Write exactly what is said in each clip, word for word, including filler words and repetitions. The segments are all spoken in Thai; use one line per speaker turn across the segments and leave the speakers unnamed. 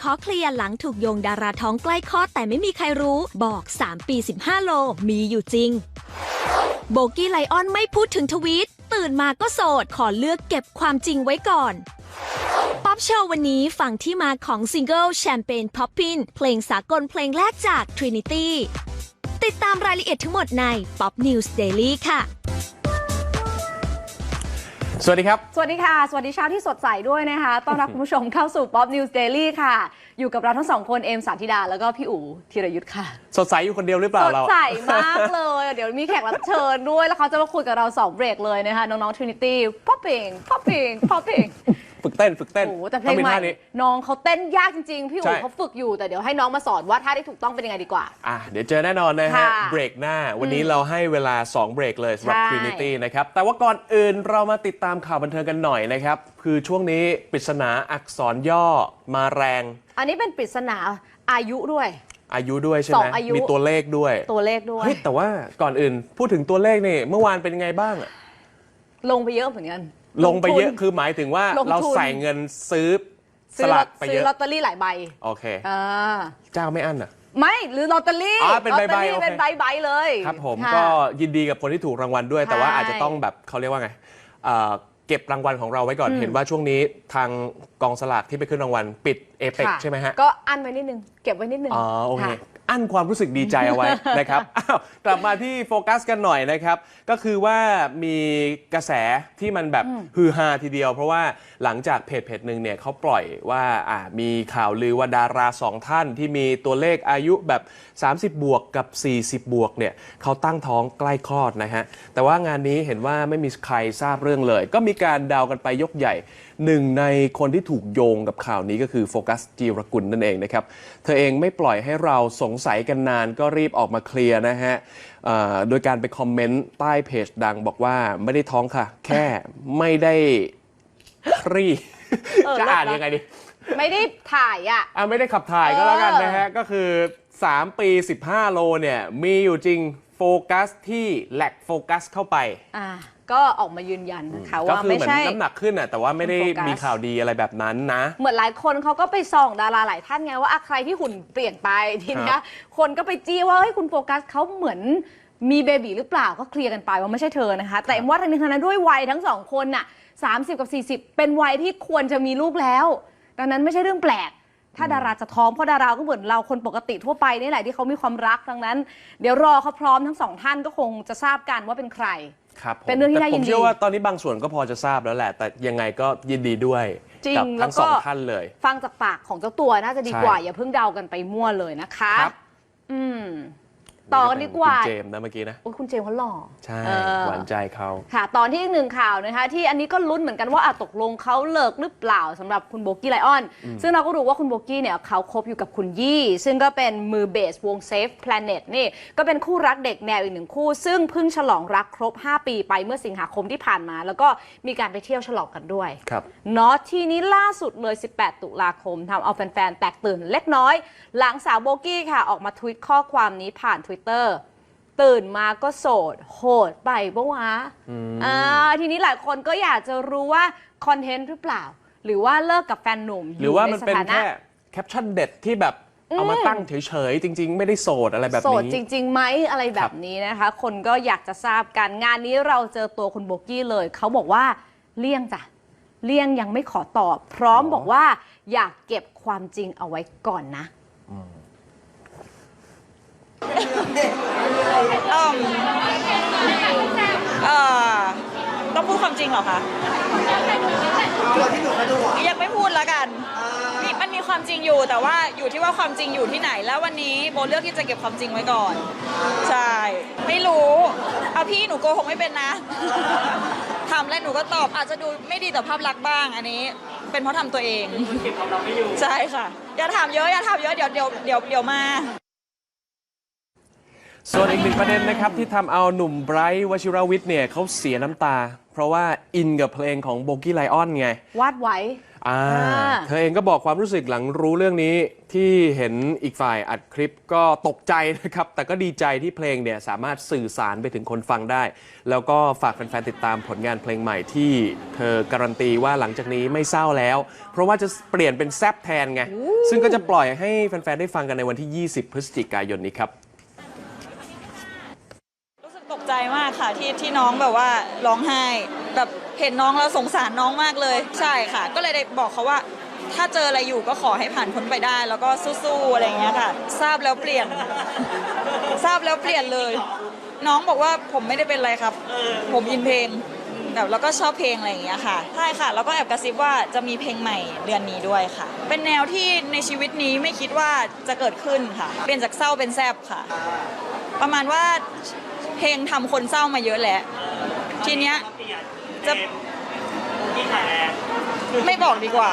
อเคลียร์หลังถูกโยงดาราท้องใกล้คลอดแต่ไม่มีใครรู้บอกสามปีสิบห้าโลมีอยู่จริงโบกี้ไลออนไม่พูดถึงทวีตตื่นมาก็โสดขอเลือกเก็บความจริงไว้ก่อนป๊อปโชว์วันนี้ฟังที่มาของซิงเกิลแชมเปญพ็อปปินเพลงสากลเพลงแรกจาก Trinity ติดตามรายละเอียดทั้งหมดใน Pop News Daily ค่ะ
สวัสดีครับ
สวัสดีค่ะสวัสดีเช้าที่สดใสด้วยนะคะต้อนรับคุณผู้ชมเข้าสู่ Pop News Daily ค่ะอยู่กับเราทั้งสองคนเอมสาธิดาแล้วก็พี่อู๋ธีรยุทธค่ะ
สดใสอยู่คนเดียวหรือเปล่าเรา
สดใสมากเลยเดี๋ยวมีแขกรับเชิญด้วยแล้วเขาจะมาคุยกับเราสองเบรกเลยนะคะน้องๆ Trinity Popping Popping Popping
ฝึกเต้นฝึกเต้น
โอ้แต่เพลงใหม่น้องเขาเต้นยากจริงๆพี่อู๋เขาฝึกอยู่แต่เดี๋ยวให้น้องมาสอนว่าท่าที่ถูกต้องเป็นยังไงดีกว่า
อ่ะเดี๋ยวเจอแน่นอนนะฮะเบรกหน้าวันนี้เราให้เวลาสองเบรกเลยสำหรับ Trinity นะครับแต่ว่าก่อนอื่นเรามาติดตามข่าวบันเทิงกันหน่อยนะครับคือช่วงนี้ปริศนาอักษรย่อมาแรง
อันนี้เป็นปริศนาอายุด้วย
อายุด้วยใช่ไหมมีตัวเลขด้วย
ตัวเลขด้วย
เฮ้ยแต่ว่าก่อนอื่นพูดถึงตัวเลขนี่เมื่อวานเป็นยังไงบ้างอะ
ลงไปเยอะเหมือนกัน
ลงไปเยอะคือหมายถึงว่าเราใส่เงินซื้อสลากไปเยอะ
ซื้อลอตเตอรี่หลายใบ
โอเคอ่าเจ้าไม่อั้นอ่ะ
ไม่หรือลอตเตอรี่
อ๋อเป็นใบใบ
เป็นใบใบเลย
ครับผมก็ยินดีกับคนที่ถูกรางวัลด้วยแต่ว่าอาจจะต้องแบบเขาเรียกว่าไงเก็บรางวัลของเราไว้ก่อนเห็นว่าช่วงนี้ทางกองสลากที่ไปขึ้นรางวัลปิดเอเปกใช่ไหมฮะ
ก็อั้นไว้นิดนึงเก็บไว้นิดนึง
อ๋อโอเคอั้นความรู้สึกดีใจเอาไว้นะครับอ้าวกลับมาที่โฟกัสกันหน่อยนะครับก็คือว่ามีกระแสที่มันแบบฮือฮาทีเดียวเพราะว่าหลังจากเพจเพจหนึ่งเนี่ยเขาปล่อยว่าอ่ามีข่าวลือว่าดาราสองท่านที่มีตัวเลขอายุแบบสามสิบบวกกับสี่สิบบวกเนี่ยเขาตั้งท้องใกล้คลอดนะฮะแต่ว่างานนี้เห็นว่าไม่มีใครทราบเรื่องเลยก็มีการเดากันไปยกใหญ่หนึ่งในคนที่ถูกโยงกับข่าวนี้ก็คือโฟกัสจีรกุลนั่นเองนะครับเธอเองไม่ปล่อยให้เราสงสัยกันนานก็รีบออกมาเคลียร์นะฮะโดยการไปคอมเมนต์ใต้เพจดังบอกว่าไม่ได้ท้องค่ะแค่ไม่ได้ครี่จะอ่านยังไงดี
ไม่ได้ถ่ายอ่ะ
อ่ะไม่ได้ขับถ่ายก็แล้วกันนะฮะก็คือสามปีสิบห้าโลเนี่ยมีอยู่จริงโฟกัสที่แหลกโฟกัสเข้าไป
อ่าก็ออกมายืนยันนะคะว่าไม่ใช่
น้ำหนักขึ้นอ่ะแต่ว่าไม่ได้มีข่าวดีอะไรแบบนั้นนะ
เหมือนหลายคนเขาก็ไปส่องดาราหลายท่านไงว่าใครที่หุ่นเปลี่ยนไปทีนี้คนก็ไปจี้ว่าเฮ้ยคุณโฟกัสเขาเหมือนมีเบบีหรือเปล่าก็เคลียร์กันไปว่าไม่ใช่เธอนะคะแต่ว่าทั้งนี้ทั้งนั้นด้วยวัยทั้งสองคนน่ะสามสิบกับสี่สิบเป็นวัยที่ควรจะมีลูกแล้วดังนั้นไม่ใช่เรื่องแปลกถ้าดาราจะท้องเพราะดาราก็เหมือนเราคนปกติทั่วไปนี่แหละที่เขามีความรักดังนั้นเดี๋ยวรอเขาพร้อมทั้งสองท่านก็คงจะทราบกันว่าเป็นใคร
เป็นเรื่องที่น่ายินดีผมเชื่อว่าตอนนี้บางส่วนก็พอจะทราบแล้วแหละแต่ยังไงก็ยินดีด้วยกับทั้งสองท่านเลย
ฟังจากปากของเจ้าตัวน่าจะดีกว่าอย่าเพิ่งเดากันไปมั่วเลยนะคะอืมต่อกันดีกว่า
คุณเจมส์นะเมื่อกี้นะ
โอ้ยคุณเจมส์เขาหล่อ
ใช่หวานใจเขา
ค่ะตอนที่อีกหนึ่งข่าวนะคะที่อันนี้ก็ลุ้นเหมือนกันว่าตกลงเขาเลิกหรือเปล่าสำหรับคุณโบกี้ไลออนซึ่งเราก็รู้ว่าคุณโบกี้เนี่ยเขาคบอยู่กับคุณยี่ซึ่งก็เป็นมือเบสวง Safe Planet นี่ก็เป็นคู่รักเด็กแนวอีกหนึ่งคู่ซึ่งเพิ่งฉลองรักครบห้าปีไปเมื่อสิงหาคมที่ผ่านมาแล้วก็มีการไปเที่ยวฉลองกันด้วย
ครับ
เนาะทีนี้ล่าสุดเลยสิบแปดตุลาคมทำเอาแฟนๆแตกตื่นเล็กน้อยหลังสาวโบกี้ค่ะออกมาทวีตข้อความนี้ผ่าน Twitterตื่นมาก็โสดโหดไปปะวะอ่าทีนี้หลายคนก็อยากจะรู้ว่าคอนเทนต์หรือเปล่าหรือว่าเลิกกับแฟนหนุ่ม
หรือว่ามันเป็นแค่แคปชั่นเด็ดที่แบบเอามาตั้งเฉยๆจริงๆไม่ได้โสดอะไรแบบนี้โส
ดจริงๆไหมอะไรแบบนี้นะคะคนก็อยากจะทราบกันงานนี้เราเจอตัวคุณโบกี้เลยเขาบอกว่าเลี่ยงจ้ะเลี่ยงยังไม่ขอตอบพร้อมบอกว่าอยากเก็บความจริงเอาไว้ก่อนนะ
เอ่อเอ่อต้องพูดความจริงเหรอคะยังไม่พูดแล้วกันนี่มันมีความจริงอยู่แต่ว่าอยู่ที่ว่าความจริงอยู่ที่ไหนแล้ววันนี้โบเลือกที่จะเก็บความจริงไว้ก่อนใช่ไม่รู้เอาพี่หนูโกหกไม่เป็นนะทำแล้วหนูก็ตอบอาจจะดูไม่ดีต่อภาพลักษณ์บ้างอันนี้เป็นเพราะทำตัวเองใช่ค่ะอย่าถามเยอะอย่าถามเยอะเดี๋ยวเดี๋ยวเดี๋ยวเดี๋ยวมา
ส่วนอีกหนึ่งประเด็นนะครับที่ทำเอาหนุ่มไบรท์วชิรวิทย์เนี่ยเขาเสียน้ำตาเพราะว่าอินกับเพลงของโบกี้ไลออนไง
วาดไว้
อ่า
อ่า
เธอเองก็บอกความรู้สึกหลังรู้เรื่องนี้ที่เห็นอีกฝ่ายอัดคลิปก็ตกใจนะครับ แต่ก็ดีใจที่เพลงเนี่ยสามารถสื่อสารไปถึงคนฟังได้ แล้วก็ฝากแฟนๆติดตามผลงานเพลงใหม่ที่เธอการันตีว่าหลังจากนี้ไม่เศร้าแล้ว เพราะว่าจะเปลี่ยนเป็นแซบแทนไง ซึ่งก็จะปล่อยให้แฟนๆได้ฟังกันในวันที่ ยี่สิบ พฤศจิกายนนี้ครับ
รู้สึกตกใจมากค่ะที่ที่น้องแบบว่าร้องไห้แบบเห็นน้องแล้วสงสารน้องมากเลย ใช่ค่ะ ก็เลยได้บอกเขาว่าถ้าเจออะไรอยู่ก็ขอให้ผ่านพ้นไปได้ แล้วก็สู้ๆอะไรอย่างเงี้ยค่ะ ทราบแล้วเปลี่ยน ทราบแล้วเปลี่ยนเลย น้องบอกว่าผมไม่ได้เป็นอะไรครับ ผมอินเพลงแบบแล้วก็ชอบเพลงอะไรอย่างเงี้ยค่ะใช่ค่ะ แล้วก็แอบกระซิบว่าจะมีเพลงใหม่เดือนนี้ด้วยค่ะ เป็นแนวที่ในชีวิตนี้ไม่คิดว่าจะเกิดขึ้นค่ะเปลี่ยนจากเศร้าเป็นแซบค่ะ ประมาณว่าเพลงทำคนเศร้ามาเยอะแหละ ทีเนี้ยจะไม่บอกดีกว่า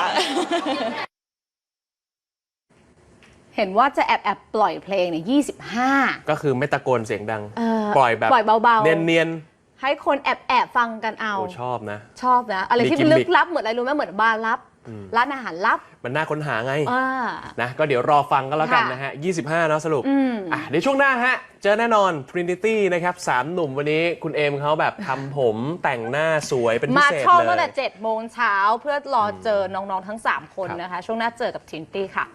เห็นว่าจะแอบแอบปล่อยเพลงเนี่ยยี่สิบห้า
ก็คือไม่ตะโกนเสียงดัง
เออ
ปล่อยแบบ
ปล่อยเบาๆ
เนียน
ให้คนแอบแอบฟังกันเอา
ๆโอ้ชอบนะ
ชอบนะ อะไรที่
มีกิมมิค
ลึกลับเหมือนอะไรรู้ไหมเหมือนบาร์ลับ ร้านอาหารลับ
มันน่าค้นหาไง
อ่า
นะก็เดี๋ยวรอฟังกันแล้วกัน
ค่ะ
นะฮะ ยี่สิบห้าเนาะสรุป
อืม
อ่ะเดี๋ยวช่วงหน้าฮะ เจอแน่นอน Trinity นะครับสามหนุ่มวันนี้คุณเอมเขาแบบทำผมแต่งหน้าสวยเป็นพิ
มา
เศษ
ช่อง
เล
ตั้งแต่
ย
เจ็ดโมงเช้าเพื่อรอเจอน้อง ๆ ทั้ง สาม คน
ครับ
นะคะ ช่วงหน้าเจอกับทินตี้ค่ะ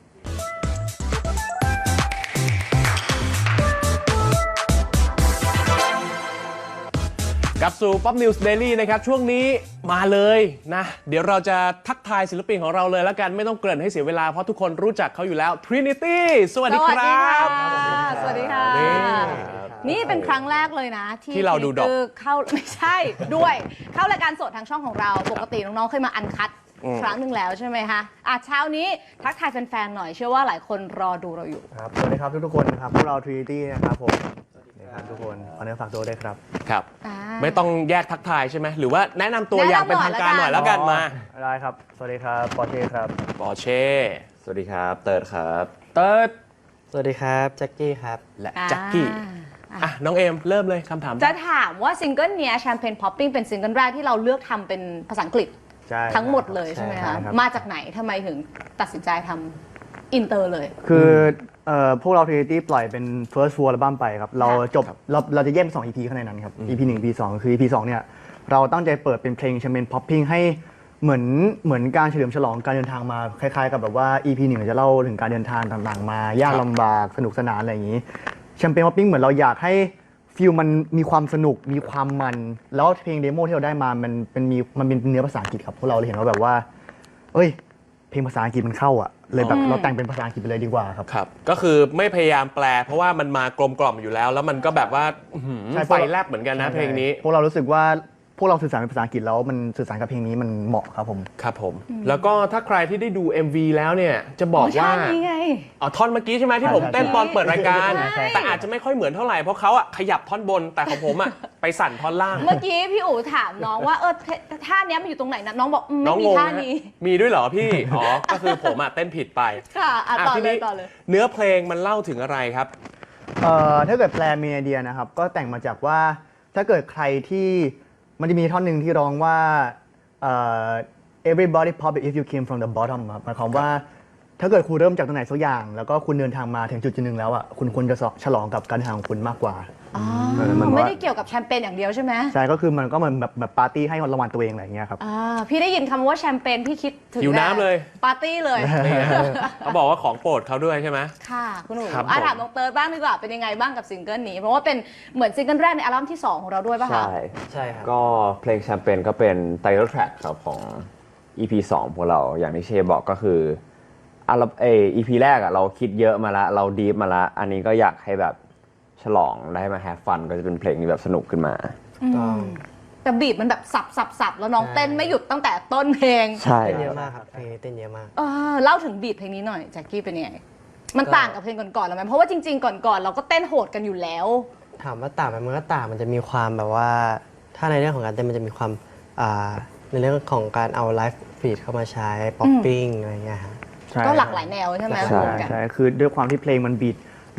กลับสู่ Pop News Daily นะครับ ช่วงนี้มาเลยนะ เดี๋ยวเราจะทักทายศิลปินของเราเลยแล้วกันไม่ต้องเกริ่นให้เสียเวลาเพราะทุกคนรู้จักเขาอยู่แล้ว Trinity สวัสดีครับ
สวัสดีค่ะ
นี่
นี่เป็นครั้งแรกเลยนะ ที่
ที่เราดูดอก
คือเข้า ไม่ใช่ด้วย เข้ารายการสดทางช่องของเรา ปกติน้อง ๆ เคยมาอันคัด
อืม
ครั้งหนึ่งแล้วใช่ไหมคะอ่ะเช้านี้ทักทายแฟน ๆ หน่อย เชื่อว่าหลายคนรอดูเราอยู่
ครับสวัสดีครับทุกๆคนนะครับพวกเรา Trinity นะครับผมสวัสดีครับทุกคนขอเนื้อฝากตัวด้วยครับ
ครับ
อ่า
ไม่ต้องแยกทักทายใช่ไหมหรือว่าแนะนำตัว
แนะนำ
อย่างเป็นทางการห
หน่
น่อ
อย ย
แล้วกันมา
ได้ครับ สวัสดีครับปอเช่ครับ
ปอเช่
สวัสดีครับ เติร์ดครับ
เติร์ด
สวัสดีครับแจ็คกี้ครับ
และ
อ่า
แจ็คกี้อ่ะน้องเอมเริ่มเลยคำถาม
จะถามว่าซิงเกิลเนี้ยแชมเปญพ็อปปิ้งเป็นซิงเกิลแรกที่เราเลือกทำเป็นภาษาอังกฤษ
ใช่
ทั้งหมดเลยใช่ไหม
ใช่
คะ
ครับ
มาจากไหนทำไมถึงตัดสินใจทำอินเตอร์เลย
คือเอ่อพวกเรา Trinity ปล่อยเป็น first full album ไปครับ เราจบเราเราจะแยกเป็นสอง อี พี ข้างในนั้นครับ อี พี หนึ่ง อี พี สอง คือ อี พี สองเนี่ยเราตั้งใจเปิดเป็นเพลงแชมเปญพ็อปปิ้งให้เหมือนเหมือนการเฉลิมฉลองการเดินทางมาคล้ายๆ กับแบบว่า อี พี หนึ่งจะเล่าถึงการเดินทางต่างๆ มายากลำบากสนุกสนานอะไรอย่างนี้แชมเปญพ็อปปิ้งเหมือนเราอยากให้ฟิลมันมีความสนุกมีความมันแล้วเพลงเดโมที่เราได้มามันเป็นมีมันเป็นเนื้อภาษาอังกฤษครับพวกเราเลยเห็นว่าแบบว่า เอ้ย เพลงภาษาอังกฤษมันเข้าอ่ะ เลยแบบเราแต่งเป็นภาษาอังกฤษไปเลยดีกว่าครับ
ครับ ก็คือไม่พยายามแปล เพราะว่ามันมากลมกล่อมอยู่แล้ว แล้วมันก็แบบว่าอื้อหือ
ใช่
ไฟแลบเหมือนกันนะเพลงนี้
พวกเรารู้สึกว่าพวกเราสื่อสารเป็นภาษาอังกฤษแล้วมันสื่อสารกับเพลงนี้มันเหมาะครับผม
ครับผม แล้วก็ถ้าใครที่ได้ดู เอ็ม วี แล้วเนี่ย จะบอกว่า
โอ้ชาตินี้ไง
อ๋อท่อนเมื่อกี้ใช่ไหมที่ผม
ใช่
เต้นตอนเปิดรายการ
ใช่ใช่
แต่อาจจะไม่ค่อยเหมือนเท่าไหร่ เพราะเขาอะขยับท่อนบน แต่ของผมอะไปสั่นท่อนล่าง
เมื่อกี้พี่อู๋ถามน้องว่าเออท่าเนี้ยมันอยู่ตรงไหนนะน้องบอกอืม
น้
ไม่
อง
มี
งง
ท่า
นะ
นี้
มีด้วยเหรอพี่ อ๋อ ก็คือผมอะเต้นผิดไป
ค่ะอ่ะต่อ
ที
เลย
นี้
ต่อเลย
เนื้อเพลงมันเล่าถึงอะไรครับ
เอ่อถ้าเกิดแปลมีไอเดียนะครับ ก็แต่งมาจากว่าถ้าเกิดใครที่มันจะมีท่อนหนึ่งที่ร้องว่าเอ่อ everybody pop it if you came from the bottom ครับหมายความว่าถ้าเกิดคุณเริ่มจากตรงไหนสักอย่าง แล้วก็คุณเดินทางมาถึงจุดจุดหนึ่งแล้วอ่ะคุณควรจะฉลองกับการเดินทางของคุณมากกว่า
อ๋อ
เออมันว่า
ไม่ได้เกี่ยวกับแชมเปญอย่างเดียวใช่ไหม
ใช่ก็คือมันก็เหมือนแบบแบบปาร์ตี้ให้รางวัลตัวเองอะไรอย่างเงี้ยครับ
อ่าพี่ได้ยินคำว่าแชมเปญพี่คิดถึง
หิวน้ำเลย
ปาร์ตี้เลย
นี่นะเขาบอกว่าของโปรดเขาด้วยใช่ไหม
ค่ะคุณหนู
ครับ
อ่ะ
ผม
ถามน้องเติร์ดบ้างดีกว่าเป็นยังไงบ้างกับซิงเกิลนี้ เพราะว่าเป็นเหมือนซิงเกิลแรกในอัลบั้มที่สองของเราด้วยป่ะคะ
ใช่ ใช่ครับ ก็เพลงแชมเปญก็เป็นไตเติลแทร็กครับของ อี พี สองพวกเรา อย่างที่เชบอกก็คืออัลเอ อี พี แรกอะเราคิดเยอะมาละเราดีฟมาละอันนี้ก็อยากให้แบบฉลองได้มาแฮปฟันก็จะเป็นเพลงที่แบบสนุกขึ้นมา
แต่บีบมันแบบสับสับสับแล้วน้องเต้นไม่หยุดตั้งแต่ต้นเพลง
ใช่
เต้น
ค
เย
รับ
อะมากครับเพลงนี้เต้นเยอะมาก
เออเล่าถึงบีทเพลงนี้หน่อยแจ็คกี้เป็นยังไง มันต่างกับเพลงก่อนๆหรือไหมเพราะว่าจริงๆ ก่อนๆเราก็เต้นโหดกันอยู่แล้ว
ถามว่าต่างไหมมันก็ต่างมันจะมีความแบบว่า ถ้าในเรื่องของการเต้นมันจะมีความอ่าในเรื่องของการเอาไลฟ์ฟีดเข้ามาใช้ป๊อปปิ้งอะไรเงี้ยฮะ
ใช่
ก็หลากหลายแนวใช่ไหม
ใช่
รวมกัน
ใช่คือด้วยความที่เพลงมันบีท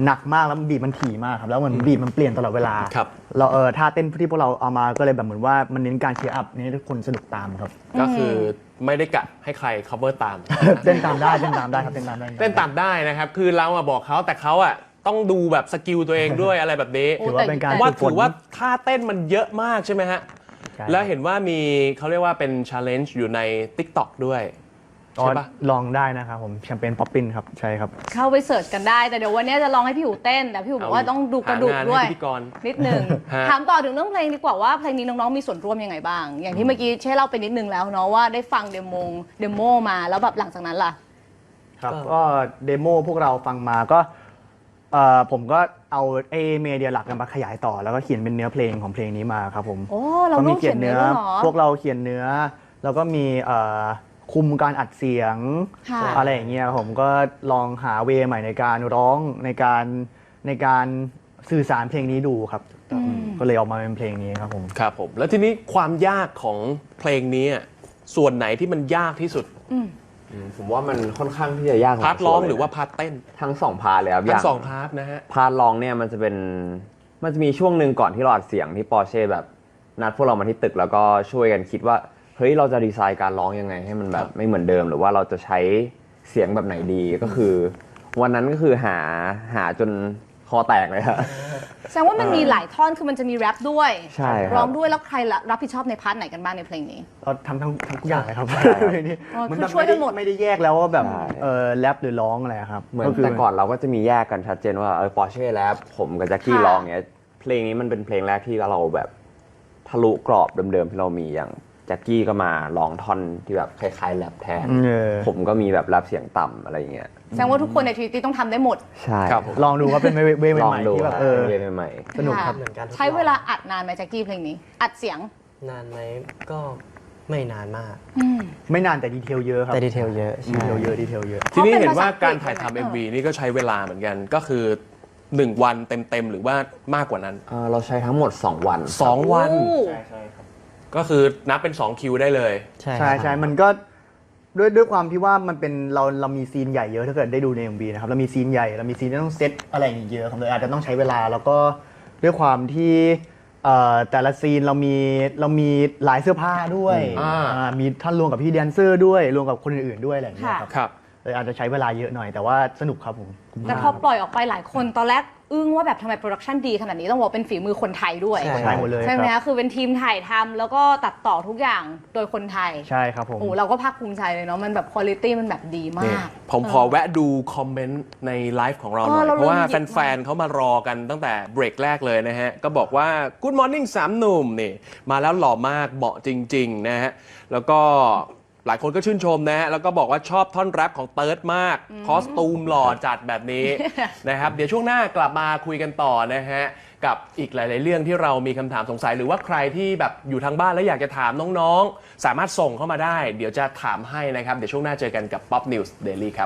หนักมากแล้วบีทมันถี่มากครับแล้วเหมือนบีทมันเปลี่ยนตลอดเวลา
ครับ
เราเออท่าเต้นที่พวกเราเอามาก็เลยแบบเหมือนว่ามันเน้นการเชียร์อัพเน้นให้ทุกคนสนุกตามครับ
ก็คือไม่ได้กะให้ใคร cover ตาม
เต้นตามได้เต้นตามได้ครับเต้นตามได้
เต้นตามได้นะครับ คือเราอะบอกเขาแต่เขาอะต้องดูแบบสกิลตัวเองด้วย อะไรแบบนี้
ถือว่าเป็นการ
ว่า
ฝึกฝ
ถื
น
อว่าท่าเต้นมันเยอะมากใช่ไหมฮะ
ใช่
แล้วเห็นว่ามีเขาเรียกว่าเป็น challenge อยู่ใน TikTok ด้วย
อ๋อ
ใช่ปะ
ลองได้นะครับผมแชมเปญป๊อปปินครับใช่ครับ
เข้าไปเสิร์ชกันได้แต่เดี๋ยววันนี้จะลองให้พี่หูเต้นแต่พี่หูบอกว่าต้องดูกระดูก
หางาน
ด้วย
ให้พิธีกร
นิดนึง
ฮะ
ถามต่อถึงเรื่องเพลงดีกว่าว่าเพลงนี้น้องๆมีส่วนร่วมยังไงบ้าง อย่างที่เมื่อกี้เช่เล่าไปนิดนึงแล้วเนาะว่าได้ฟังเดโมเดโมมาแล้วแบบหลังจากนั้นล่ะ
ครับก็เดโมพวกเราฟังมาก็เอ่อผมก็เอาไอ้เมเดียหลักกันมาขยายต่อ แล้วก็เขียนเป็นเนื้อเพลงของเพลงนี้มาครับผม
โอ้เรา
ก็
ร่
มี
วมเขียนเนื้อด้วยเหรอ
พวกเราเขียนเนื้อ แล้วก็มีเอ่อคุมการอัดเสียง
ค่ะ
อะไรอย่างเงี้ยครับผมก็ลองหาเวย์ใหม่ในการร้องในการในการสื่อสารเพลงนี้ดูครับก็เลยออกมาเป็นเพลงนี้ครับผม
ครับผม แล้วทีนี้ความยากของเพลงนี้อะส่วนไหนที่มันยากที่สุด
อืมผมว่ามันค่อนข้างที่จะยาก
พาร์ทร้อง
พสมคว
หรือว่าพาร์ทเต้น
ทั้งสองพาร์ทเลยครับ
ทั้
ย่าง
สองพาร์ทนะฮะ
พาร์ทร้องเนี่ยมันจะเป็นมันจะมีช่วงหนึ่งก่อนที่เราอัดเสียงที่ปอร์เช่แบบนัดพวกเรามาที่ตึกแล้วก็ช่วยกันคิดว่าเฮ้ยเราจะดีไซน์การร้องยังไงให้มันแบบไม่เหมือนเดิมหรือว่าเราจะใช้เสียงแบบไหนดีก็คือ วันนั้นก็คือหาหาจนคอแตกเลยครับ
แสดงว่ามันมีหลายท่อนคือมันจะมีแรปด้วย
ใช่ครับ
ร้องด้วยแล้วใครรับผิดชอบในพาร์ทไหนกันบ้างในเพลงนี้
เราทำทั้งทั้งทุกอย่างเลยครับ เพลงนี้
อ๋อ
มัน
คือ
แบบ
ช่วยกันหมด
ไม่ได้แยกแล้วว่าแบบ
ใช่
เออแรปหรือร้องอะไรครับ
เหมือน
ก็คื
แต่ก่อนเราก็จะมีแยกกันชัดเจนว่าเออปอร์เช่แล้วผมกับแจ็คกี้
ค่ะ
ร้องเนี้ยเพลงนี้มันเป็นเพลงแรกที่เราแบบทะลุกรอบเดิมๆที่เรามีอย่างแจ็คกี้ก็มาร้องท่อนที่แบบคล้ายๆแรปแทน
เออ
ผมก็มีแบบแรปเสียงต่ำอะไรอย่างเงี้ย
แสดงว่าทุกคนในทีวีต้องทำได้หมด
ใช่
ครับผม
ลองดูว่าเป็นเวย์เวย์
ลอง
ใหม่
ดู
ๆที่
ค
แบ
รับบ
เออ
เวย์ใหม่
สนุกครับ
เหมือนกันทุก
ใช้
รอบ
เวลาอัดนานไหมแจ็คกี้เพลงนี้ อัดเสียง
นานไหมก็ไม่นานมาก
ไม่นานแต่ดีเทลเยอะครับ
แต่ดีเทลเยอะ
ดีเทลเยอะดีเทลเยอะ
ทีนี้
เพราะเป็น
เห็นว่า
ภาษาอังกฤษ
การถ่ายทำ
ใช่ไหม
เอ็ม วี นี่ก็ใช้เวลาเหมือนกัน ก็คือ หนึ่ง วันเต็ม ๆ หรือว่ามากกว่านั้น
ๆเอ่อเราใช้ทั้งหมด สอง วัน
สอง วัน
โอ้
ก็คือนับเป็น สอง คิวได้เลย
ใช่
ใช่
ครับ
ใช่มันก็ด้วยด้วยความที่ว่ามันเป็นเราเรามีซีนใหญ่เยอะถ้าเกิดได้ดูใน เอ็ม วี นะครับเรามีซีนใหญ่เรามีซีนที่ต้องเซตอะไรอย่างเงี้ยเยอะครับเลยอาจจะต้องใช้เวลาแล้วก็ด้วยความที่เอ่อแต่ละซีนเรามีเรามีหลายเสื้อผ้าด้วย
อ่า
อ่ามีท่านรวมกับพี่แดนเซอร์ด้วยรวมกับคนอื่นๆด้วยอะไรอย่างเงี้ยครับ
ครับ
เลยอาจจะใช้เวลาเยอะหน่อยแต่ว่าสนุกครับผม
แต่พอปล่อยออกไปหลายคนตอนแรกอึ้งว่าแบบทำไมโปรดักชันดีขนาดนี้ต้องบอกเป็นฝีมือคนไทยด้วย
ใช่
ใช่หมดเลย
ใช่ไหม
ครับ
คะคือเป็นทีมถ่ายทำแล้วก็ตัดต่อทุกอย่างโดยคนไทย
ใช่ครับผม
โอ้เราก็ภาคภูมิใจเลยเนาะมันแบบคุณภาพมันแบบดีมา
นี่
ก
ผมขอแวะดูคอมเมนต์ในไลฟ์ของเราหน่อย
เออเรา
เพราะว่า
ลืมหยิบ
แฟนๆเขามารอกันตั้งแต่เบรกแรกเลยนะฮะ ก็บอกว่า Good Morning สามหนุ่มนี่มาแล้วหล่อมากเหมาะจริง ๆ นะฮะ แล้วก็หลายคนก็ชื่นชมนะฮะ แล้วก็บอกว่าชอบท่อนแรปของเติร์ดมาก คอสตูมหล่อจัดแบบนี้ นะครับ เดี๋ยวช่วงหน้ากลับมาคุยกันต่อนะฮะ กับอีกหลาย ๆ เรื่องที่เรามีคำถามสงสัย หรือว่าใครที่แบบอยู่ทางบ้านแล้วอยากจะถามน้องๆ สามารถส่งเข้ามาได้ เดี๋ยวจะถามให้นะครับ เดี๋ยวช่วงหน้าเจอกันกับ Pop News Daily ครับ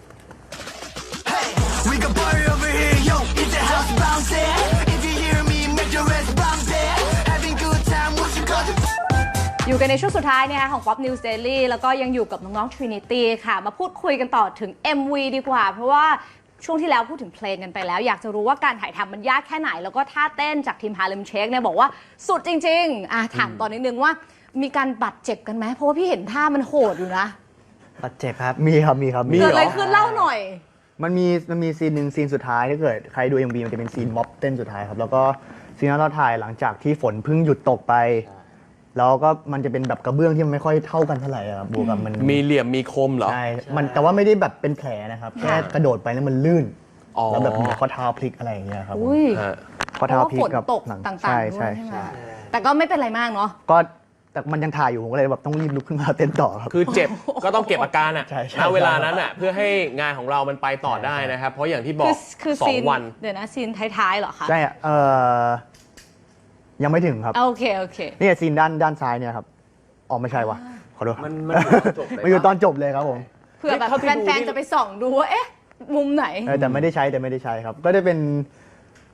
We can party over here, yo. It's the house bouncing. If you hear me, make your ass bounce there. Having good time, what you got to
อยู่กันในช่วงสุดท้ายเนี่ยของ Pop News Daily แล้วก็ยังอยู่กับน้องๆ Trinity ค่ะ มาพูดคุยกันต่อถึง เอ็ม วี ดีกว่า เพราะว่าช่วงที่แล้วพูดถึงเพลงกันไปแล้ว อยากจะรู้ว่าการถ่ายทำมันยากแค่ไหน แล้วก็ท่าเต้นจากทีม Harlem Shake เนี่ยบอกว่าสุดจริงๆอ่ะถามตอนนิดนึงว่ามีการบาดเจ็บกันไหมเพราะว่าพี่เห็นท่ามันโหดอยู่นะ
บาดเจ็บครับ
มีครับมีครับ
มี
เกิด
หร
อะไรขึ้นเล่าหน่อย
มันมีมันมีซีนหนึ่งซีนสุดท้ายถ้าเกิดใครดู เอ็ม วี มันจะเป็นซีนม็อบเต้นสุดท้ายครับ แล้วก็ซีนนั้นเราถ่ายหลังจากที่ฝนเพิ่งหยุดตกไป แล้วก็มันจะเป็นแบบกระเบื้องที่มันไม่ค่อยเท่ากันเท่าไหร่อะครับบวกกับมัน
มีเหลี่ยมมีคมเหรอ
ใช่มันแต่ว่าไม่ได้แบบเป็นแผลนะครับ แค่กระโดดไปแล้วมันลื่น
อ๋อ
แล้วแบบเหมือนข้อเท้าพลิกอะไรอย่างเงี้ยครับผม
อุ้ย
ฮะ
ข้อ
เพ
เท้า
ราะว่า
พลิ
ฝ
ก
น
กับ
ตก
หลัง
ต่างๆ
ใช่
ด้ว
ใช่
ยใช่ไหม
ใช่
แต่ก็ไม่เป็นไรมากเนาะ
ก็แต่มันยังถ่ายอยู่ผมก็เลยแบบต้องรีบลุกขึ้นมาเต้นต่อครับ
คือเจ็บก็ต้องเก็บอาการอ่ะ
ใช่ใช่
ณเวลานั้นอ่ะเพื่อให้งานของเรามันไปต่อได้นะครับ เพราะอย่างที่บอ
คื
ก
อคือ
สอ
ซี
ง
น
วัน
เดี๋ยวนะซีนท้ายๆเหรอคะ
ใช่อะเออยังไม่ถึงครับ
โอเคโอเค
นี่ซีนด้านด้านซ้ายเนี่ยครับอ๋อไม่ใช่วะขอโทษครับ
มันมันอยู่ตอนจบเลย
มันอยู่ตอนจบเลยครับผม
เพื่อแบบ
เท่าที่ดู
แฟน
นี่
ๆจะไปส่องดูว่าเอ๊ะมุมไหน
เออแต่ไม่ได้ใช้แต่ไม่ได้ใช้ครับ ก็ได้เป็น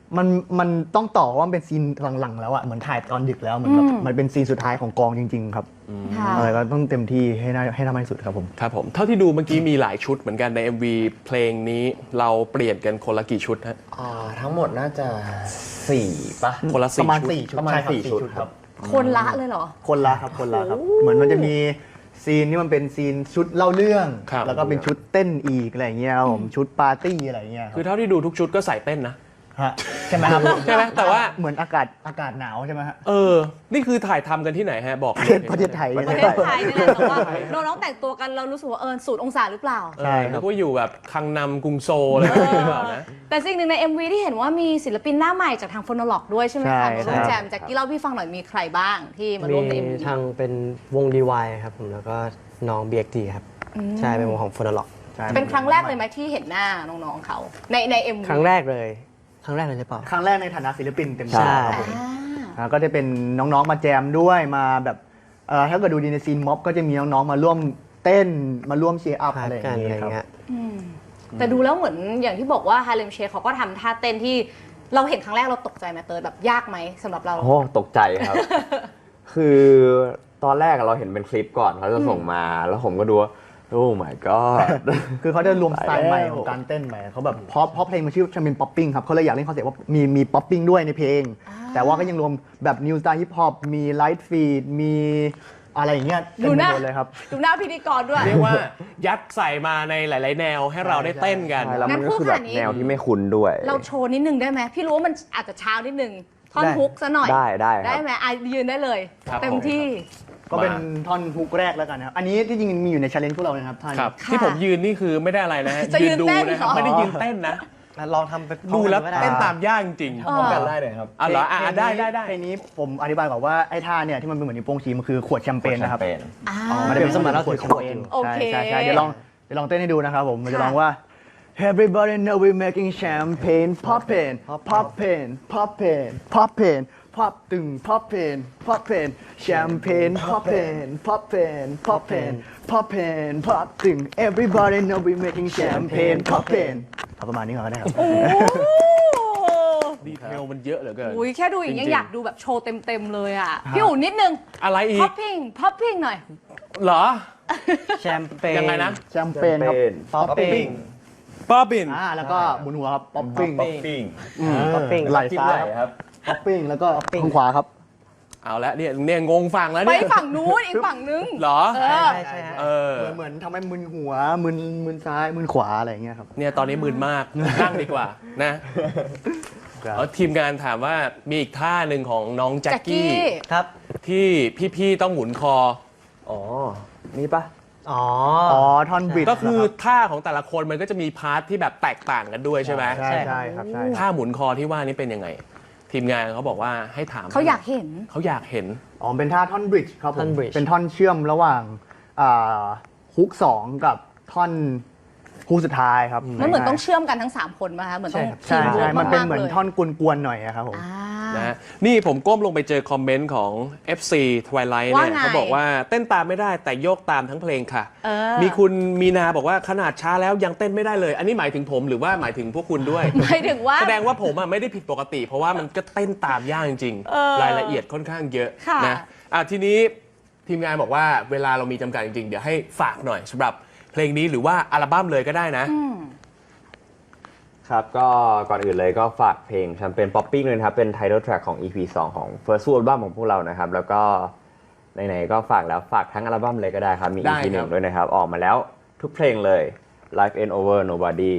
มันมันต้องต่อว่ามันเป็นซีนหลังๆแล้วอะเหมือนถ่ายตอนดึกแล้วเหมือนแบบ
อืม
มันเป็นซีนสุดท้ายของกองจริง ๆ ครับ
ค่ะ
อะไรก็ต้องเต็มที่ให้ได้ให้ทำให้สุดครับผม
ครับผมเท่าที่ดูเมื่อกี้มีหลายชุดเหมือนกันใน เอ็ม วี เพลงนี้เราเปลี่ยนกันคนละกี่ชุดฮะ
อ่าทั้งหมดน่าจะสี่ปะ
คนละ
ป
สี่
ระมาณ
ชุด
สี่ชุด
ประมาณ
ใช่ครับ
สี่
สี่
ชุ
ชุ
ด
ด
ค
ค
รั
รับ บ
คนละเลยเหรอ
คนละครับคนละครับ เหมือนมันจะมีซีนที่มันเป็นซีนชุดเล่าเรื่อง
ครับ
แล้วก็เป็นชุดเต้นอีกอะไรอย่างเงี้ยครับผมชุดปาร์ตี้อะไรอย่างเงี้ยครับ
คือเท่าที่ดูทุกชุดก็ใส่เต้นนะ
ฮะใช่ไหมครับ
ใช่ไหมแต่ว่า
เหมือนอากาศอากาศหนาวใช่ไหมฮะ
เออ นี่คือถ่ายทำกันที่ไหนฮะ บอก
ประเทศไทย
ประเทศไทยนี่แหละแต่ว่าน้องๆแต่งตัวกันเรารู้สึกว่าเออสูตรองศาหรือเปล่า
ใช่ครับว่าอยู่แบบคังนำกรุงโซลอะไรแบบนี้หรือเปล่านะ
แต่สิ่งหนึ่งใน เอ็ม วี ที่เห็นว่ามีศิลปินหน้าใหม่จากทางโฟโนโลกด้วยใช่ไหม
ใช่
คะ
ใช่
น้องแจมแจ็คกี้เล่าพี่ฟังหน่อยมีใครบ้างที่มาร่วมใน เอ็ม วี
ทางเป็นวง ดี วาย ครับผมแล้วก็น้อง บี เอ็กซ์ ที ครับ ใช่เป็นวงของ Phonolog
ใช่
เป็นครั้งแรกเลยไหมที่เห็นหน้าน้องๆเขาในใน เอ็ม วี
ครั้งแรกเลย ครั้งแรกเลยหรือเปล่า
ครั้งแรกในฐานะศิลปินเต็ม
ใช่
ที่ครับผมอ่าก็จะเป็นน้องๆมาแจมด้วยมาแบบเอ่อถ้าเกิดดูดีในซีนม็อบก็จะมีน้องๆมาร่วมเต้นมาร่วมเชียร์อัพ
พา
อะไร
ร์
อ
กั
ย่าน ง
อะไร
เงี้ยครับ
เงี้ย
แต่ดูแล้วเหมือนอย่างที่บอกว่าฮาเลมเชคเขาก็ทำท่าเต้นที่เราเห็นครั้งแรกเราตกใจไหมเติร์ดแบบยากไหมสำหรับเรา
โอ้ตกใจครับ คือตอนแรกเราเห็นเป็นคลิปก่อนเขาจะส่งมา แล้วผมก็ดูว่าโอ้ my god
คือเขาจะรวมสไตล์ใหม่
แล้ว
ของการเต้นใหม่เขาแบบเพราะเพราะเพลงมันชื่อชัมเปญป๊อปปิ้งครับเขาเลยอยากเล่นคอนเซ็ปต์ว่ามีมีป๊อปปิ้งด้วยในเพลง แต่ว่าก็ยังรวมแบบนิวสไตล์ฮิปฮอปมีไลท์ฟีดมีอะไรอย่างเงี้ยเต็ม
ดู
ไป
หน้า
หมดเลยครับ
ดูหน้าพิธีกรด้วย
เรียกว่ายัดใส่มาในหลาย ๆ แนวให้เราได้เต้นกัน
ใช่แล้วมัน
งั้น
ก็
พูด
คือแบ
ขนา
บ
ดนี้
แนวที่ไม่คุ้นด้วย
เราโชว์นิดนึงได้ไหมพี่รู้ว่ามันอาจจะเช้านิดนึงท่อน
ได้
ฮุกซะหน่อย
ได้ได้ครับ
ได้ไหมอ่ะยืนได้เลย
ครับ
เต็มที่
ก็เป็นท่อนฮุกแรกแล้วกันนะครับอันนี้ที่จริงมีอยู่ในชาเลนจ์พวกเรานะครับท่าน
ครับ
ค่ะ
ที่ผมยืนนี่คือไม่ได้อะไรนะฮะ
จะยืน
ดู
เต้น
นะครับ
เหรอ
ไม่ได้ยืนเต้นนะ
ลองทำไปพร้อม
ดูแล้ว
กันก็ได้
เต้นตามยากจริง
เออ
กันได้เลยครับ
ๆอ๋อเหรออ่ะอ่ะได้ได้ได้
เพลงนี้ผมอธิบายก่อนว่าไอ้ท่าเนี่ยที่มันเป็นเหมือนนิ้วโป้งชี้มันคือขวดแชมเปญนะครับ
อ่า
มันจะเป็น
สมัยเรา
ขวด
ถือ
ข
ข
ว
ว
ด
ด
เอง
โอเค
ใช่ใช่ใช่เดี๋ยวลองเดี๋ยวลองเต้นให้ดูนะครับผมมันจะ
ค่ะ
ร้องว่า Everybody know we making champagne poppin poppin poppin poppin pop ตึง poppin poppin champagne poppin poppin poppin poppin pop ตึง Everybody know we making champagne poppin เอาประมาณนี้ก่อนก็ได้ครับ
โอ้
ดีเทลมันเยอะเหลือเกิน
โหแค่ดูอย่างนี้
จริงๆ
อยากดูแบบโชว์เต็ม ๆ เลยอ่ะ พี่อู๋นิดนึง
อะไรอี
พ็อก ปปิ้งพ็อปปิ้งหน่อย
เหรอ
แชมเปญ
ยังไงนะ
แชมเปญครับ
ป๊อปปิ้ง
ป๊อบบิน
อ่าแล้วก็หมุนหัวครับ popping
ป๊อปปิ้ง
ไหล่ซ้ายครับ popping แล้วก็ข้างขวาครับ
เอาละเนี่ยเนี่ยงงฝั่งแล้ว
ไป
เนี่ย
ฝั่งนู้นอีกฝั่งนึง
เหรอ
เออ
ใช่ใช่ฮะ
เออ
เหมือนเหมือนทำให้มึนหัวมึนมึนซ้ายมึนขวาอะไรอย่างเงี้ยครับ
เนี่ยตอนนี้มึนมาก นั่งดีกว่านะเอาทีมงานถามว่ามีอีกท่าหนึ่งของน้องแจ็ค
แจ็คกี้
กี้
ครับ
ที่พี่ๆต้องหมุนคอ
อ๋อ นี่ปะ
อ๋อ
อ๋อท่อนบิด
ก็คือท่าของแต่ละคนมันก็จะมีพาร์ทที่แบบแตกต่างกันด้วยใช่ไหม
ใช่ใช่ครับใช่
ท่าหมุนคอที่ว่านี่เป็นยังไง ทีมงานเขาบอกว่าให้ถาม
เขาอยากเห็น
เขาอยากเห็น
อ๋อเป็นท่าท่อนบริดจ์ครับผ
ท่อ
ม
น bridge
เป็นท่อนเชื่อมระหว่างอ่าฮุกสองกับท่อนฮุกสุดท้ายครับ
มันเหมือนต้องเชื่อมกันทั้ง 3 คนมาคะเหมือนต้อง
ใช่
ทีม
ใช่
เวิร์ก
มันเป็น
ากๆ
เหมือน
ลย
ท่อนกวนๆหน่อยอะครับผม
อ่า
นะฮะนี่ผมก้มลงไปเจอคอมเมนต์ของ เอฟ ซี Twilight
ว่า
เนี่ย
ไง
เขาบอกว่าเต้นตามไม่ได้แต่โยกตามทั้งเพลงค่ะ
เออ
มีคุณมีนาบอกว่าขนาดช้าแล้วยังเต้นไม่ได้เลย อันนี้หมายถึงผมหรือว่าหมายถึงพวกคุณด้วย
หมายถึงว่า
แสดงว่าผมอ่ะไม่ได้ผิดปกติ เพราะว่ามันก็เต้นตามยากจริง
เออ
รายละเอียดค่อนข้างเยอะ
ค่ะ
นะอ่ะทีนี้ทีมงานบอกว่าเวลาเรามีจำกัดจริงๆ เดี๋ยวให้ฝากหน่อยสำหรับเพลงนี้หรือว่าอัลบั้มเลยก็ได้นะ
อืม
ครับ ก็ก่อนอื่นเลยก็ฝากเพลงแชมเปญป๊อปปิ้งเลยนะครับ เป็น Title Track ของ อี พี สอง ของ First Full Album ของพวกเรานะครับ แล้วก็ไหนๆก็ฝากแล้วฝากทั้งอัลบั้มเลยก็ได้ครับ มี
ได้
อี พี ห
ครั
นึ่
บ
งด้วยนะครับ ออกมาแล้วทุกเพลงเลย Life Ain't Over Nobody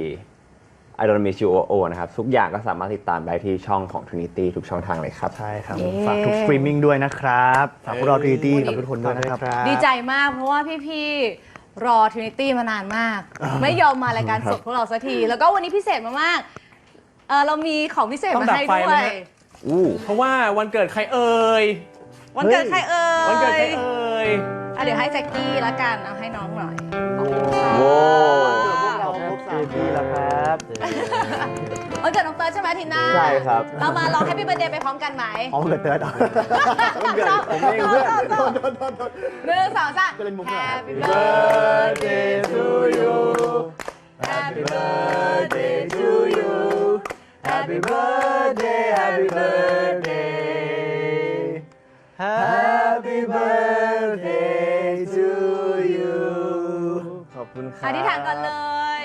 I Don't Miss You Oh Oh นะครับ ทุกอย่างก็สามารถติดตามได้ที่ช่องของ Trinity ทุกช่องทางเลยครับ
ใช่ครับ
เย้
ฝากทุกสตรีมมิ่งด้วยนะครับฝากพวกเราทรีตี้กับทุกคนด้วยนะครับ
ดีใจมากเพราะว่าพี่ๆรอ Trinity มานานมาก ไม่ยอมมารายการสดพวกเราสักที แล้วก็วันนี้พิเศษมากๆเออเรามีของพิเศษ
ต้อง
มา
ดับ
ให้
ไฟ
ด้
ไหม
วย
ฮะ เพราะว่าวันเกิดใครเอ่ย
วันเกิดใครเอ่ย
วันเกิดใครเอ่ย
อ่ะเดี๋ยวให้แจ็คกี้ละกันเอาให้น้องหน่อยขอบคุณค่ะ
โว้
เราครบสามปีแล้วครับ
วันเกิดน้องเติร์ดใช่ไหมทีน่า
ใช่ครับ
เรามาร้อง Happy Birthday ไปพร้อมกันไหม
อ๋อเกิดเติร์ด
ผมเองเพื่อนหนึ่งสองสาม
ก็เล่นมุกเหรอ
Happy birthday to you Happy birthday to you Happy birthday
Happy birthday Happy birthday to you
ขอบคุณครับ
อธิษฐานก่อนเลย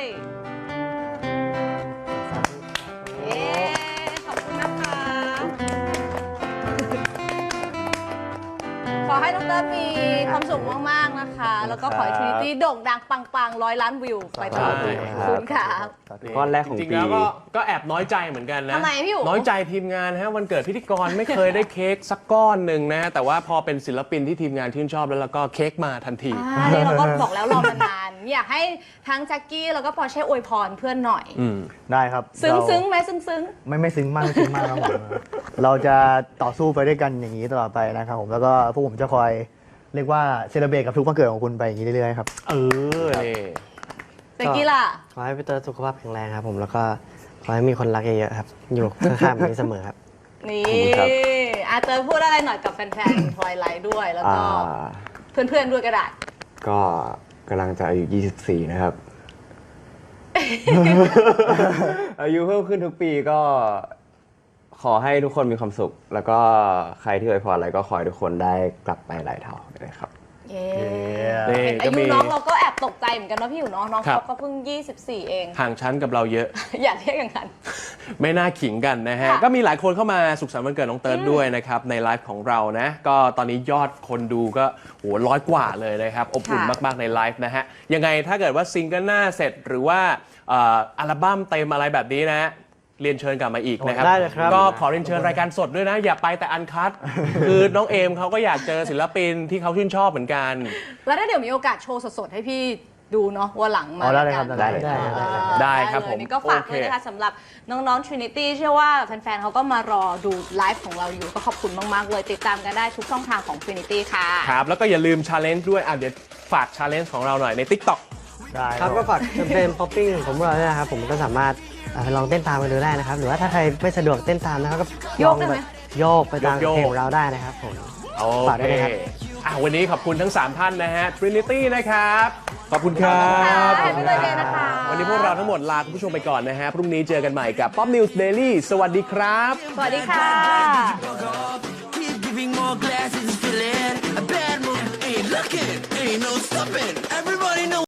เย้ขอบคุณนะคะ ขอให้น้องเต้ยมีความสุขมากๆนะคะ แล้วก็ขอให้ Trinity โด่งดังปังๆร้อยล้านวิวไปตลอด
ใช่
ขอบคุณค่ะ
ก้อนแรกของ
จริงๆ
ปี
แล้วก็ก็แอบน้อยใจเหมือนกันนะ
ทำไมพี่อู๋
น้อยใจทีมงานฮะวันเกิดพิธีกรไม่เคยได้เค้กสักก้อนหนึ่งนะ แต่ว่าพอเป็นศิลปินที่ทีมงานชื่นชอบแล้วแล้วก็เค้กมาทันที
อ่านี่เราก็บอกแล้วรอมานาน อยากให้ทั้งแจ็คกี้แล้วก็ปอร์เช่อวยพรเพื่อนหน่อย
อืม
ได้ครับ
ซึ้ง
เรา
ซึ้งไหมซึ้งซึ้ง
ไม่ไม่ซึ้งมากไม่ซึ้งมากครับผม เราจะต่อสู้ไปด้วยกันอย่างนี้ตลอดไปนะครับผมแล้วก็พวกผมจะคอยเรียกว่าเซเลบรตกับทุกวันเกิดของคุณไปอย่างนี้เรื่อยๆครับ
เออนี่
แจ็คกี้ล่ะ
ขอให้พี่เตอร์สุขภาพแข็งแรงครับผมแล้วก็ขอให้มีคนรักเยอะๆครับ อยู่ข้างๆแบบนี้เสมอครับ
นี่
ขอบคุณครับ
อาเตอร์พูดอะไรหน่อยกับแฟนๆ ทวายไลท์ด้วย แล้ว
อ่า
ก็เพื่อนๆ ด้วยก็ได้
ก็กำลังจะอายุ ยี่สิบสี่ นะครับ อายุเพิ่มขึ้นทุกปีก็ขอให้ทุกคนมีความสุข แล้วก็ใครที่อวยพรอะไรก็ขอให้ทุกคนได้กลับไปหลายเท่าเลยครับ
เย้
นี่
เห็น
ก็
อายุ
มี
น้องเราก็แอบตกใจเหมือนกันนะพี่อยู่เน้องน้อง
ครับ
เขาก็เพิ่ง ยี่สิบสี่ เอง
ห่างชั้นกับเราเยอะ
อย่าเรียกอย่างนั้น
ไม่น่าขิงกันนะฮะ
ค่ะ
ก็มีหลายคนเข้ามาสุขสันต์วันเกิดน้องเติร์ดด้วยนะครับ ในไลฟ์ของเรานะ ก็ตอนนี้ยอดคนดูก็โหร้อยกว่าเลยนะครับ อบอุ่นมาก ๆ ในไลฟ์นะฮะ ยังไงถ้าเกิดว่าซิงเกิลหน้าเสร็จหรือว่าเอ่ออัลบั้มเต็มอะไรแบบนี้นะ เรียนเชิญกลับมาอีกนะครับ
ได้เลยครับ
ก็ขอเรียนเชิญรายการสดด้วยนะ อย่าไปแต่อันคัด คือน้องเอมเขาก็อยากเจอศิลปินที่เขาชื่นชอบเหมือนกัน
แล้วถ้าเดี๋ยวมีโอกาสโชว์สดๆ ให้พี่ดูเนาะว่าหลังมา
อ๋อได้เลยครับ
กัน
ได้เลย
ได้เลย
เออ
ได้ครับ
เลย
ผม
นี่ก็ฝากด้วยนะคะสำหรับน้องๆ Trinity เชื่อว่าแฟนๆเขาก็มารอดูไลฟ์ของเราอยู่ก็ขอบคุณมากๆเลย ติดตามกันได้ทุกช่องทางของ Trinity ค่ะ
ครับ แล้วก็อย่าลืมชาเลนจ์ด้วยอ่ะเดี๋ยวฝากชาเลนจ์ของเราหน่อยใน TikTok
ได้
ครับก็ฝากแคมเปญ popping ของพวกเราด้วยนะครับผมก็สามารถอ่าไปลองเต้นตามกันดูได้นะครับ หรือว่าถ้าใครไม่สะดวกเต้นตามนะครับก็
โยกได้ไหม
โยกไปตาม
โยกๆ
เพลงของเราได้นะครับผม
โอ
ฝากด้
เค
วยนะครับ
อ่ะวันนี้ขอบคุณทั้ง สาม ท่านนะฮะ Trinity นะครับ ขอบคุณครับ
ขอบคุณค่ะ Happy birthday นะคะ
วันนี้พวกเราทั้งหมดลาคุณผู้ชมไปก่อนนะฮะ พรุ่งนี้เจอกันใหม่กับ Pop News Daily สวัสดีครับ
สวัสดีค่ะ
Keep giving more glasses, feeling a bad mood. Ain't looking, ain't no stopping. Everybody knows.